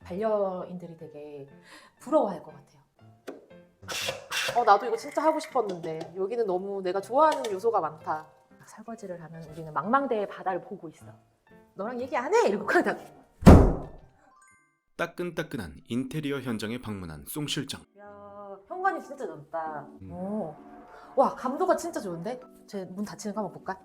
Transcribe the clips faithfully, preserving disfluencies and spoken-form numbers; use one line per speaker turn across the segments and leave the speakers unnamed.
반려인들이 되게 부러워할 것 같아요. 어 나도 이거 진짜 하고 싶었는데 여기는 너무 내가 좋아하는 요소가 많다. 설거지를 하면 우리는 망망대해 바다를 보고 있어. 너랑 얘기 안 해! 이러고 가다.
따끈따끈한 인테리어 현장에 방문한 송 실장.
야 현관이 진짜 넓다.
음.
오. 와 감도가 진짜 좋은데? 제 문 닫히는 거 한번 볼까?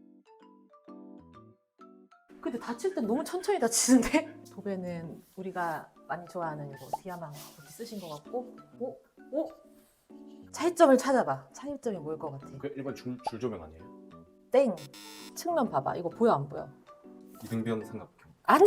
근데 닫힐 땐 너무 천천히 닫히는데? 도배는 우리가 많이 좋아하는 이거 디아망 이렇게 쓰신 것 같고 오? 오? 차이점을 찾아봐. 차이점이 뭘 것 같아?
그 일반 줄, 줄 조명 아니에요?
땡! 측면 봐봐. 이거 보여 안 보여?
이등변 삼각형.
아니!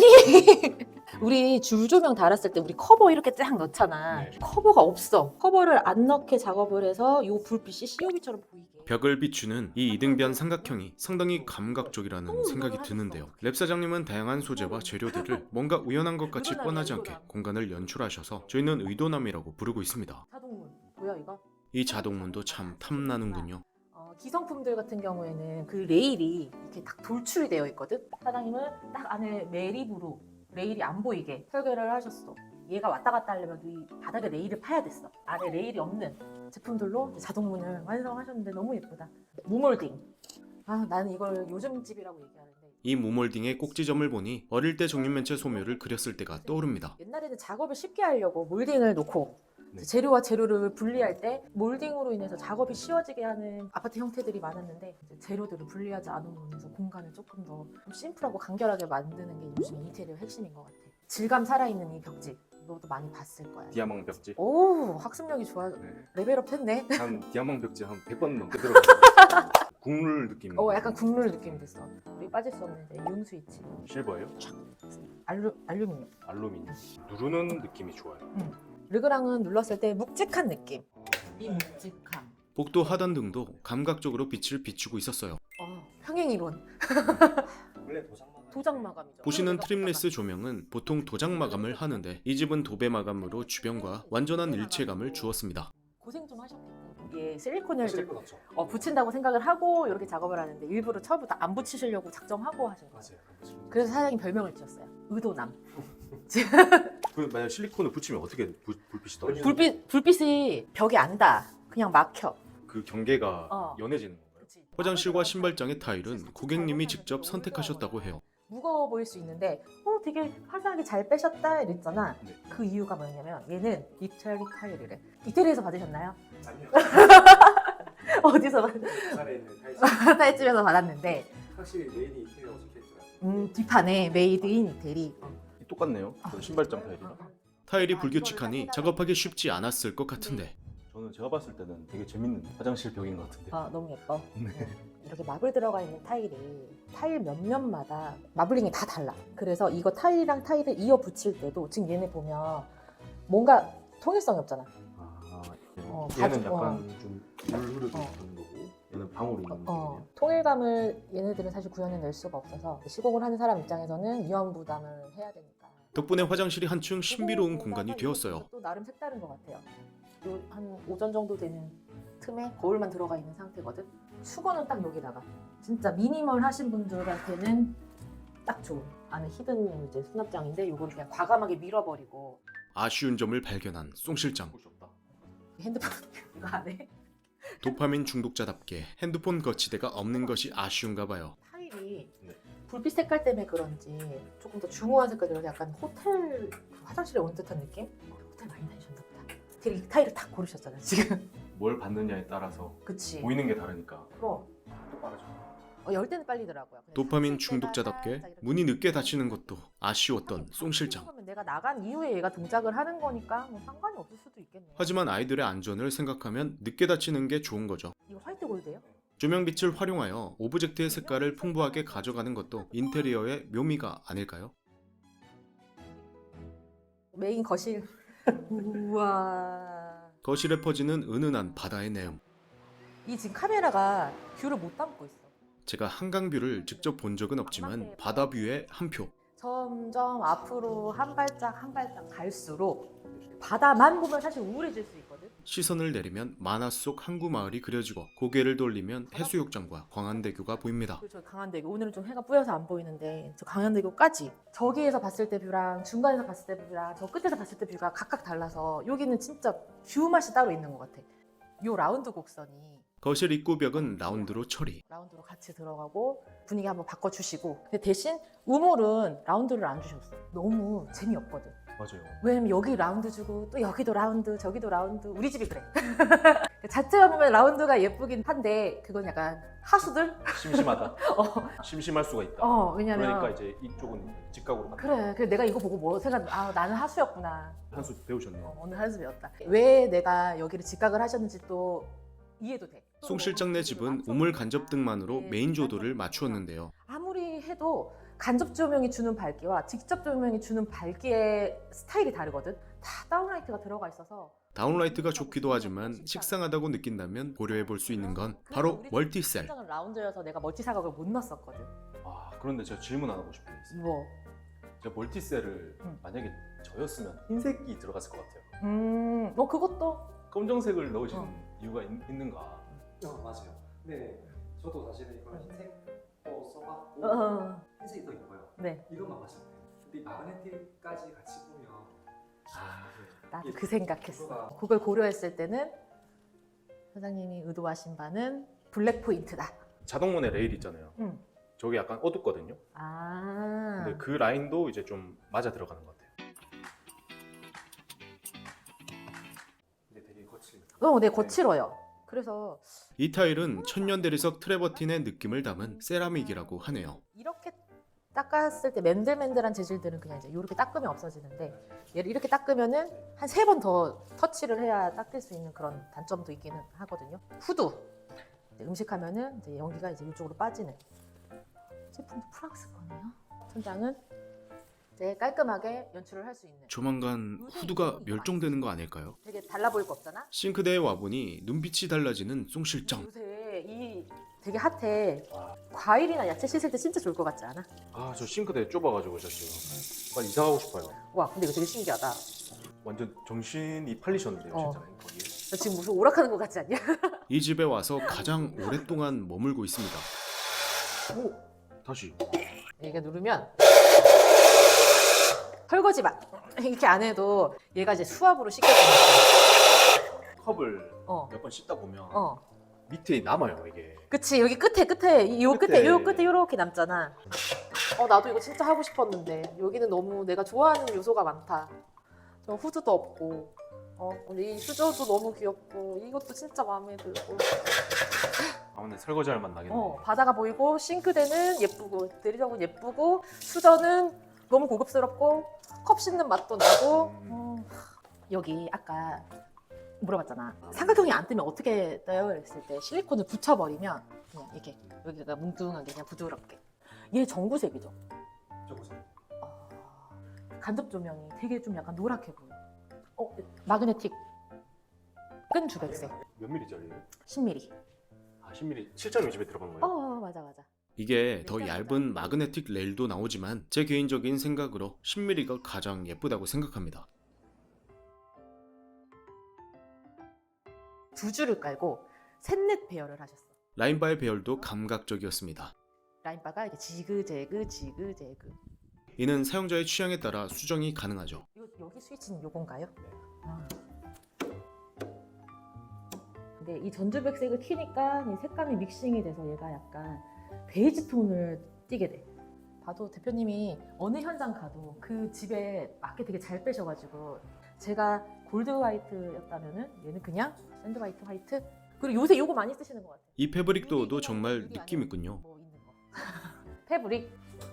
우리 줄 조명 달았을 때 우리 커버 이렇게 쫙 넣잖아.
네.
커버가 없어. 커버를 안 넣게 작업을 해서 이 불빛이 씨오비처럼 보이게.
벽을 비추는 이 이등변 삼각형이 상당히 감각적이라는
너무
생각이
운동을
드는데요.
하셨어.
랩 사장님은 다양한 소재와 재료들을 뭔가 우연한 것 같이
늘어나네,
뻔하지 않게
늘어나.
공간을 연출하셔서 저희는 의도남이라고 부르고 있습니다.
자동문 보여 이거?
이 자동문도 참 탐나는군요.
어, 기성품들 같은 경우에는 그 레일이 이렇게 딱 돌출이 되어 있거든. 사장님은 딱 안에 매립으로 레일이 안 보이게 설계를 하셨어. 얘가 왔다 갔다 하려면 이 바닥에 레일을 파야 됐어. 안에 레일이 없는 제품들로 자동문을 완성하셨는데 너무 예쁘다. 무몰딩. 아 나는 이걸 요즘 집이라고 얘기하는데
이 무몰딩의 꼭지점을 보니 어릴 때 정육면체 소묘를 그렸을 때가 떠오릅니다.
옛날에는 작업을 쉽게 하려고 몰딩을 놓고
네.
재료와 재료를 분리할 때 몰딩으로 인해서 작업이 쉬워지게 하는 아파트 형태들이 많았는데 이제 재료들을 분리하지 않음으로 인해서 공간을 조금 더 좀 심플하고 간결하게 만드는 게 요즘 인테리어 핵심인 것 같아. 질감 살아있는 이 벽지 너도 많이 봤을 거야.
디아망 벽지.
오 학습력이 좋아.
네.
레벨업 했네.
한 디아망 벽지 한 백 번 넘게 들어갔어요. 국룰 느낌.
어 약간 국룰 느낌 됐어. 우리 빠질 수 없는 이제 융 스위치
실버예요?
알루, 알루미늄.
알루미늄. 누르는 느낌이 좋아요.
르그랑은 눌렀을 때 묵직한 느낌. 이 묵직함.
복도 하단 등도 감각적으로 빛을 비추고 있었어요.
어, 평행이론.
원래 도장 마감.
도장 마감이죠.
보시는 트림레스 조명은 보통 도장 마감을 하는데 이 집은 도배 마감으로 주변과 완전한 일체감을 주었습니다.
고생 좀 하셨겠다. 이게 실리콘을 이제
실버 넣죠.
어, 붙인다고 생각을 하고 이렇게 작업을 하는데 일부러 처음부터 안 붙이시려고 작정하고 하신 거예요.
맞아요. 그렇죠.
그래서 사장님 별명을 지었어요. 의도남.
그 만약 실리콘을 붙이면 어떻게 불, 불빛이 떨어져요?
불빛 불빛이 벽에 안 닿아. 그냥 막혀.
그 경계가
어.
연해지는 건가요?
그치?
화장실과 신발장의 타일은 고객님이 직접 선택하셨다고 해요.
무거워 보일 수 있는데 어 되게 화사하게 잘 빼셨다 이랬잖아.
네.
그 이유가 뭐냐면 얘는 이태리 타일이래. 이태리에서 받으셨나요?
아니요.
어디서 받...
부산에 있는 타이즈.
타일집에서 받았는데
확실히 메인이 이태리라고 적혀있더라고요.
음, 뒷판에 메이드 인 이태리.
똑같네요.
아,
그 신발장 타일이랑.
타일이 불규칙하니 작업하기 쉽지 않았을 것 같은데
저는 제가 봤을 때는 되게 재밌는 화장실 벽인 것 같은데.
아 너무 예뻐.
네.
이렇게 마블 들어가 있는 타일이 타일 몇 면마다 마블링이 다 달라. 그래서 이거 타일이랑 타일을 이어 붙일 때도 지금 얘네 보면 뭔가 통일성이 없잖아.
아,
어,
얘는
바지-
약간 좀물 흐르듯
어.
하는 거고 얘는 방울이 있는
어,
느낌이에요.
통일감을 얘네들은 사실 구현해낼 수가 없어서 시공을 하는 사람 입장에서는 위험 부담을 해야 되니까.
덕분에 화장실이 한층 신비로운 공간이 되었어요.
또 나름 색다른 것 같아요. 요, 한 오전 정도 되는 틈에 거울만 들어가 있는 상태거든. 수건은 딱 여기다가. 진짜 미니멀 하신 분들한테는 딱 좋은. 안에 히든 이제 수납장인데 요거를 그냥 과감하게 밀어버리고
아쉬운 점을 발견한 송 실장.
곳이 없다.
핸드폰 이거 안에
도파민 중독자답게 핸드폰 거치대가 없는 것이 아쉬운가 봐요.
타일이
네.
불빛 색깔 때문에 그런지 조금 더 중후한 색깔이 약간 호텔 화장실에 온 듯한 느낌? 호텔 많이 다니셨나 보다. 되게 이 타일을 딱 고르셨잖아 지금.
뭘 받느냐에 따라서
그치.
보이는 게 다르니까
그럼
또 빠르죠.
어, 열 때는 빨리더라고요. 그냥
도파민
닫힐 때가
중독자답게
살짝 이렇게
문이 늦게 닫히는 것도 아쉬웠던 송 실장.
그러면 내가 나간 이후에 얘가 동작을 하는 거니까 뭐 상관이 없을 수도 있겠네.
하지만 아이들의 안전을 생각하면 늦게 닫히는 게 좋은 거죠.
이거 화이트 골드예요?
조명빛을 활용하여 오브젝트의 색깔을 풍부하게 가져가는 것도 인테리어의 묘미가 아닐까요?
메인 거실. 우와.
거실에 퍼지는 은은한 바다의 내음.
이 지금 카메라가 뷰를 못 담고 있어.
제가 한강뷰를 직접 본 적은 없지만 바다뷰의 한 표.
점점 앞으로 한 발짝 한 발짝 갈수록 바다만 보면 사실 우울해질 수 있거든.
시선을 내리면 만화 속 항구 마을이 그려지고 고개를 돌리면 해수욕장과 광안대교가 보입니다.
그리고 저 강안대교 오늘은 좀 해가 뿌여서 안 보이는데 저 강안대교까지 저기에서 봤을 때 뷰랑 중간에서 봤을 때 뷰랑 저 끝에서 봤을 때 뷰가 각각 달라서 여기는 진짜 뷰 맛이 따로 있는 것 같아. 요 라운드 곡선이
거실 입구벽은 라운드로 처리.
라운드로 같이 들어가고 분위기 한번 바꿔주시고 근데 대신 우물은 라운드를 안 주셨어. 너무 재미없거든.
맞아요.
왜냐면 여기 라운드 주고 또 여기도 라운드 저기도 라운드 우리 집이 그래. 자체가 보면 라운드가 예쁘긴 한데 그건 약간 하수들?
심심하다.
어,
심심할 수가 있다.
어 왜냐면
그러니까 이제 이쪽은 직각으로 간다.
그래 그래 내가 이거 보고 뭐 생각 아 나는 하수였구나.
한수 배우셨네요.
어, 오늘 한수 배웠다. 왜 내가 여기를 직각을 하셨는지 또 이해도 돼.
송 실장네 집은 우물 간접 등만으로 메인 조도를 맞추었는데요.
아무리 해도 간접 조명이 주는 밝기와 직접 조명이 주는 밝기의 스타일이 다르거든. 다 다운라이트가 들어가 있어서
다운라이트가 좋기도 하지만 식상하다고 느낀다면 고려해 볼 수 있는 건 바로 멀티셀.
실장은 라운드여서 내가 멀티 사각을 못 넣었었거든.
아 그런데 제가 질문 하나 하고 싶은 게 있어요.
뭐?
제가 멀티셀을
응.
만약에 저였으면 흰색이 들어갔을 것 같아요.
음, 뭐 그것도
검정색을 넣으신
어.
이유가 있, 있는가?
어, 맞아요. 네, 저도 사실은 이걸 흰색도 써봤고
어,
흰색이 더 이뻐요.
네.
이것만 봤을 때. 근데 이 마그네틱까지 같이 보면 아,
나도
이게
그 생각했어.
구도가-
그걸 고려했을 때는 사장님이 의도하신 바는 블랙 포인트다.
자동문의 레일 있잖아요.
응.
저게 약간 어둡거든요.
아.
근데 그 라인도 이제 좀 맞아 들어가는 것 같아요.
근데 되게 거칠니다.
어, 네, 거칠어요. 그래서
이 타일은 천년 대리석 트레버틴의 느낌을 담은 세라믹이라고 하네요.
이렇게 닦았을 때 맨들맨들한 재질들은 그냥 이제 이렇게 닦으면 없어지는데 얘를 이렇게 닦으면은 한 세 번 더 터치를 해야 닦일 수 있는 그런 단점도 있기는 하거든요. 후드 이제 음식하면은 이제 연기가 이제 이쪽으로 빠지는 제품도 프랑스 거네요. 천장은 이제 깔끔하게 연출을 할 수 있는.
조만간 후드가 멸종되는 거 아닐까요?
되게 달라 보일 거 없잖아.
싱크대에 와보니 눈빛이 달라지는 송 실장.
요새 이 되게 핫해.
와.
과일이나 야채 씻을 때 진짜 좋을 것 같지 않아?
아 저 싱크대 좁아가지고 저 지금 빨리 이사 가고 싶어요.
와, 근데 이거 되게 신기하다.
완전 정신이 팔리셨는데요,
어.
실장님 거기에.
너 지금 무슨 오락하는 것 같지 않냐?
이 집에 와서 가장 오랫동안 머물고 있습니다.
오 다시.
얘가 누르면 설거지 맛 이렇게 안 해도 얘가 이제 수압으로 씻겨주는
컵을
어,
몇 번 씻다 보면
어.
밑에 남아요 이게.
그치 여기 끝에 끝에 이 요 끝에
끝에.
요 끝에 요렇게 남잖아. 어 나도 이거 진짜 하고 싶었는데 여기는 너무 내가 좋아하는 요소가 많다. 저 후드도 없고 어 우리 이 수저도 너무 귀엽고 이것도 진짜 마음에 들고
아 근데 설거지할 맛 나겠네.
어 바다가 보이고 싱크대는 예쁘고 대리석은 예쁘고 수저는 너무 고급스럽고 컵 씻는 맛도 나고 음, 여기 아까 물어봤잖아. 삼각형이 안 뜨면 어떻게 떠요? 그랬을 때 실리콘을 붙여버리면 그냥 이렇게 여기가 뭉뚱하게 그냥 부드럽게. 얘 전구색이죠.
저 보세요.
아, 간접 조명이 되게 좀 약간 노랗게 보여. 어, 마그네틱 끈 주백색
몇 밀리짜리예요?
십 밀리미터.
아 십 밀리미터. 실장님 집에 들어간
어,
거예요?
어 맞아 맞아.
이게 더 얇은 마그네틱 레일도 나오지만 제 개인적인 생각으로 십 밀리미터가 가장 예쁘다고 생각합니다.
두 줄을 깔고 셋넷 배열을 하셨어.
라인바의 배열도 감각적이었습니다.
라인바가 이렇게 지그재그 지그재그.
이는 사용자의 취향에 따라 수정이 가능하죠.
이거 여기 스위치는 요건가요?
네.
아. 근데 이 전주백색을 키니까 이 색감이 믹싱이 돼서 얘가 약간 베이지 톤을 띠게 돼. 봐도 대표님이 어느 현장 가도 그 집에 맞게 되게 잘 빼셔가지고 제가 골드 화이트였다면은 얘는 그냥 샌드 화이트 화이트. 그리고 요새 요거 많이 쓰시는 것 같아요.
이 패브릭도어도 정말 느낌 있군요.
뭐 있는 거. 패브릭.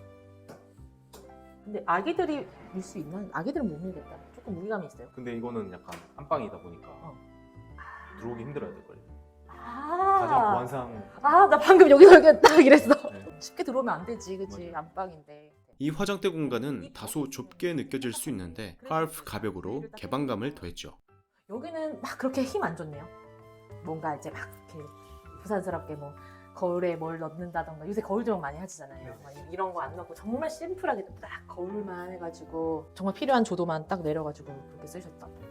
근데 아기들이 밀 수 있나? 아기들은 못 밀겠다. 조금 무게감이 있어요.
근데 이거는 약간 안방이다 보니까
어.
들어오기 힘들어야 될 거예요.
아,
가장 보안상.
아, 나 방금 여기서 이렇게 딱 이랬어.
네.
쉽게 들어오면 안 되지, 그치?
맞아요.
안방인데.
이 화장대 공간은 다소 좁게 느껴질 수 있는데 하프 가벽으로 개방감을 더했죠.
여기는 막 그렇게 힘 안 줬네요. 뭔가 이제 막 이렇게 부산스럽게 뭐 거울에 뭘 넣는다던가 요새 거울 조명 많이 하시잖아요. 막 이런 거 안 넣고 정말 심플하게 딱 거울만 해가지고 정말 필요한 조도만 딱 내려가지고 그렇게 쓰셨다.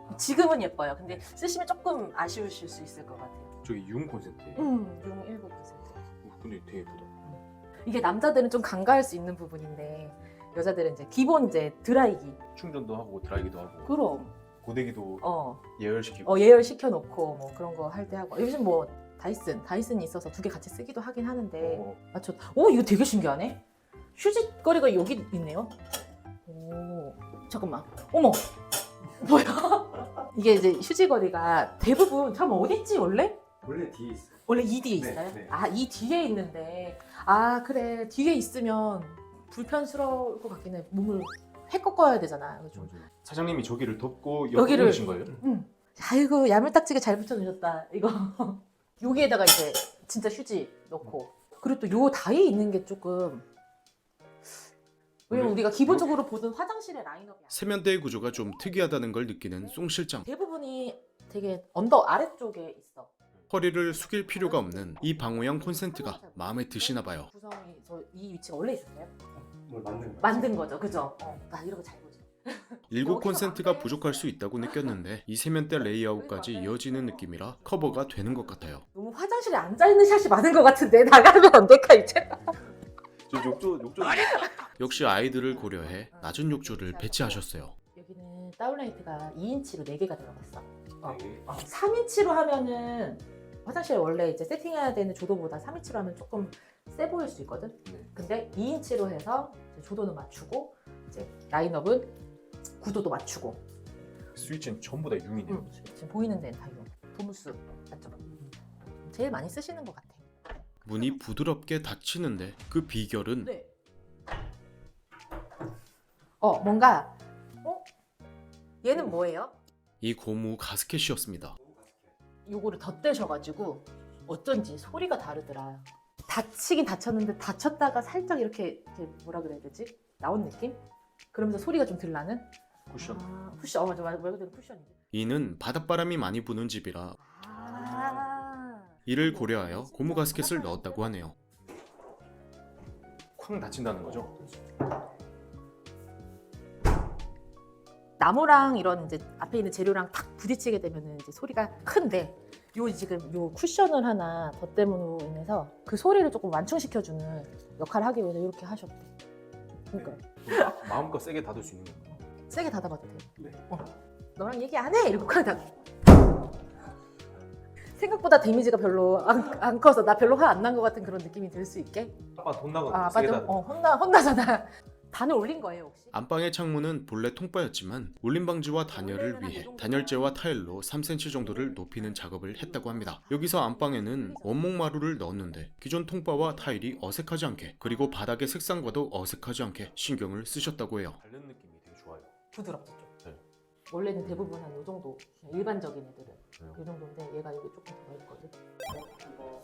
지금은 예뻐요. 근데 쓰시면 조금 아쉬우실 수 있을 것 같아요.
저기 융 콘센트예요.
음, 용 일곱 퍼센트.
어, 근데 되게 예쁘다.
이게 남자들은 좀 간과할 수 있는 부분인데 여자들은 이제 기본 이제 드라이기.
충전도 하고 드라이기도 하고
그럼
고데기도
어,
예열시키고.
어 예열 시켜 놓고 뭐 그런 거 할 때 하고 요즘 뭐 다이슨 다이슨이 있어서 두 개 같이 쓰기도 하긴 하는데
어,
맞죠? 오 이거 되게 신기하네. 휴지거리가 여기 있네요. 오 잠깐만. 어머 뭐야? 이게 이제 휴지거리가 대부분 참 어디 있지 원래?
원래 뒤에 있어요.
원래 이 뒤에
네,
있어요?
네.
아 이 뒤에 있는데 아 그래 뒤에 있으면 불편스러울 것 같긴 해. 몸을 해 꺾어야 되잖아. 그래서 좀.
맞아요. 사장님이 저기를 덮고
여기를-
여기를 신 거예요?
응. 아이고 야물딱지게 잘 붙여놓으셨다 이거. 여기에다가 이제 진짜 휴지 넣고 그리고 또 요 다이에 있는 게 조금 왜냐면
원래
우리가 기본적으로 보던 화장실의 라인업이 아니야.
세면대의 구조가 좀 특이하다는 걸 느끼는 송 실장.
대부분이 되게 언더 아래쪽에 있어.
허리를 숙일 필요가 없는 이 방호형 콘센트가 마음에 드시나 봐요.
구성이 저 이 위치가 원래 있었어요?
뭘 만든 거.
만든 거죠, 그죠? 어, 나 이런 거 잘 보지.
일곱 콘센트가 부족할 수 있다고 느꼈는데 이 세면대 레이아웃까지 이어지는 느낌이라 커버가 되는 것 같아요.
너무 화장실에 앉아 있는 샷이 많은 것 같은데 나가면 안 될까 이제?
저 욕조 욕조.
역시 아이들을 고려해 낮은 욕조를 배치하셨어요.
여기는 다운라이트가 이 인치로 네 개가 들어갔어. 어.
네.
어, 삼 인치로 하면은 화장실에 원래 이제 세팅해야 되는 조도보다 삼 인치로 하면 조금 세 보일 수 있거든.
네.
근데 이 인치로 해서 이제 조도는 맞추고 이제 라인업은 구도도 맞추고.
스위치는 전부 다 융이네요.
응, 지금 보이는 데는 다 이거 도무스 맞죠? 제일 많이 쓰시는 것 같아.
문이 부드럽게 닫히는데 그 비결은
네. 어 뭔가 어? 얘는 뭐예요?
이 고무 가스켓이었습니다.
요거를 덧대셔가지고 어쩐지 소리가 다르더라. 닫히긴 닫혔는데 닫혔다가 살짝 이렇게, 이렇게 뭐라 그래야 되지? 나온 느낌? 그러면서 소리가 좀 들라는?
쿠션.
아, 쿠션. 어 맞아 맞아 말 그대로 쿠션이지.
이는 바닷바람이 많이 부는 집이라
아.
이를 고려하여 고무 가스켓을 넣었다고 하네요.
쾅 닫힌다는 거죠?
나무랑 이런 이제 앞에 있는 재료랑 탁 부딪히게 되면은 이제 소리가 큰데 요 지금 요 쿠션을 하나 덧대므로 인해서 그 소리를 조금 완충시켜주는 역할을 하기 위해서 이렇게 하셨대. 그러니까
마- 마음껏 세게 닫을 수 있는 건가요?
세게 닫아봐도 돼.
네.
어. 너랑 얘기 안 해! 이러고 쾅 닫. 생각보다 데미지가 별로 안, 안 커서 나 별로 화 안 난 것 같은 그런 느낌이 들 수 있게.
아빠 돈 나가.
아,
세게
맞아.
닫는.
어, 혼나 혼나잖아. 단을 올린 거예요 혹시?
안방의 창문은 본래 통바였지만 울림 방지와 단열을 위해 단열재와 타일로 삼 센티미터 정도를 높이는 작업을 했다고 합니다. 여기서 안방에는 원목 마루를 넣었는데 기존 통바와 타일이 어색하지 않게 그리고 바닥의 색상과도 어색하지 않게 신경을 쓰셨다고 해요.
닳는 느낌이 되게 좋아요.
부드럽죠 좀.
네.
원래는 대부분 한 이 정도 그냥 일반적인 애들은
네.
이 정도인데 얘가 여기 조금 더 있거든.
이거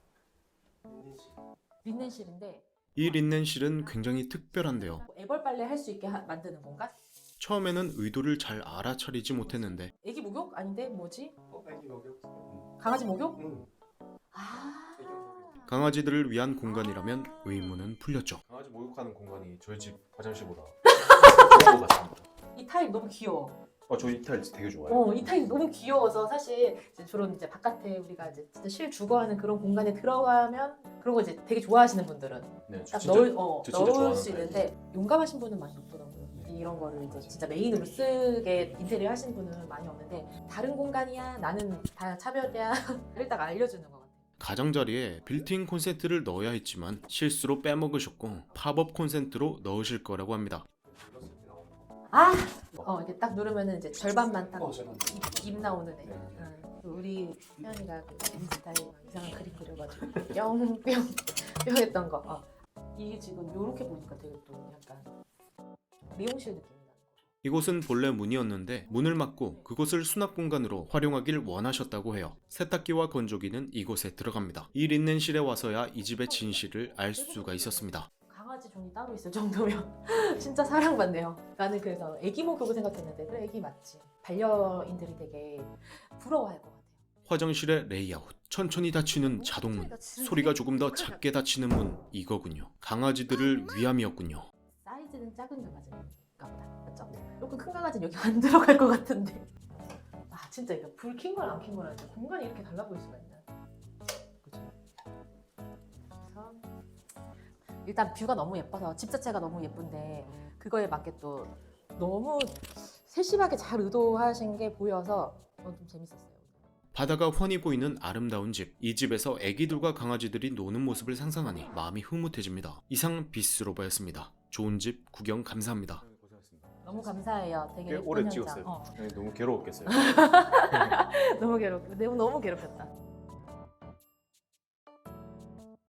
인디시.
린넨실인데
이 린넨실은 굉장히 특별한데요.
뭐 애벌 빨래 할 수 있게 하- 만드는 건가?
처음에는 의도를 잘 알아차리지 못했는데
애기 목욕? 아닌데 뭐지?
어, 애기 먹여.
강아지 목욕?
응.
아.
애기 먹여.
강아지들을 위한 공간이라면 의문은 풀렸죠.
강아지 목욕하는 공간이 저희 집 화장실보다 좋은 것 같습니다.
이 타일 너무 귀여워.
어, 저희 타일 되게 좋아요.
어, 이 타일 너무 귀여워서 사실 이제 주로 이제 바깥에 우리가 이제 진짜 실 주거하는 그런 공간에 들어가면 그런 거 이제 되게 좋아하시는 분들은
네, 저
딱
진짜
넣을 어
저 진짜
넣을
좋아하는
수 있는데 용감하신 분은 많이 없더라고요. 이런 거를 이제 진짜 메인으로 쓰게 인테리어 하신 분은 많이 없는데 다른 공간이야 나는 다 차별이야 일단 알려주는 것 같아요.
가장자리에 빌트인 콘센트를 넣어야 했지만 실수로 빼먹으셨고 팝업 콘센트로 넣으실 거라고 합니다.
이렇게 나오는 거.
아, 어 이렇게 딱 누르면은 이제 절반만 딱
어, 절반.
입, 입 나오는 애.
네.
응. 우리 태연이가 그 인스타에 막 이상한 그림 그려가지고 뿅뿅뿅 했던 거. 어. 이게 지금 이렇게 보니까 되게 또 약간 미용실 느낌이 나는 거.
이곳은 본래 문이었는데 문을 막고 그곳을 수납 공간으로 활용하길 원하셨다고 해요. 세탁기와 건조기는 이곳에 들어갑니다. 이 린넨실에 와서야 이 집의 진실을 알 수가 있었습니다.
강아지 존이 따로 있을 정도면 진짜 사랑받네요. 나는 그래서 애기 목욕을 생각했는데 그래 애기 맞지. 반려인들이 되게 부러워할 것 같아요.
화장실의 레이아웃, 천천히 닫히는 자동문, 소리가 조금 더 작게 닫히는 문, 이거군요. 강아지들을 위함이었군요.
사이즈는 작은 강아지인가 보다. 맞죠? 조금 큰 강아지는 여기 안 들어갈 것 같은데. 진짜 이거 불 킨 거랑 안 킨 거랑 진짜 공간이 이렇게 달라 보일 수가 있나? 그죠? 그래서 일단 뷰가 너무 예뻐서 집 자체가 너무 예쁜데 그거에 맞게 또 너무 세심하게 잘 의도하신 게 보여서 어, 좀 재밌었어요.
바다가 훤히 보이는 아름다운 집. 이 집에서 애기들과 강아지들이 노는 모습을 상상하니 마음이 흐뭇해집니다. 이상 비스로바였습니다. 좋은 집 구경 감사합니다.
고생하셨습니다.
너무 감사해요. 되게
꽤
예쁜
오래
현장.
찍었어요.
어,
네, 너무 괴로웠겠어요.
너무 괴롭, 너무 너무 괴롭혔다.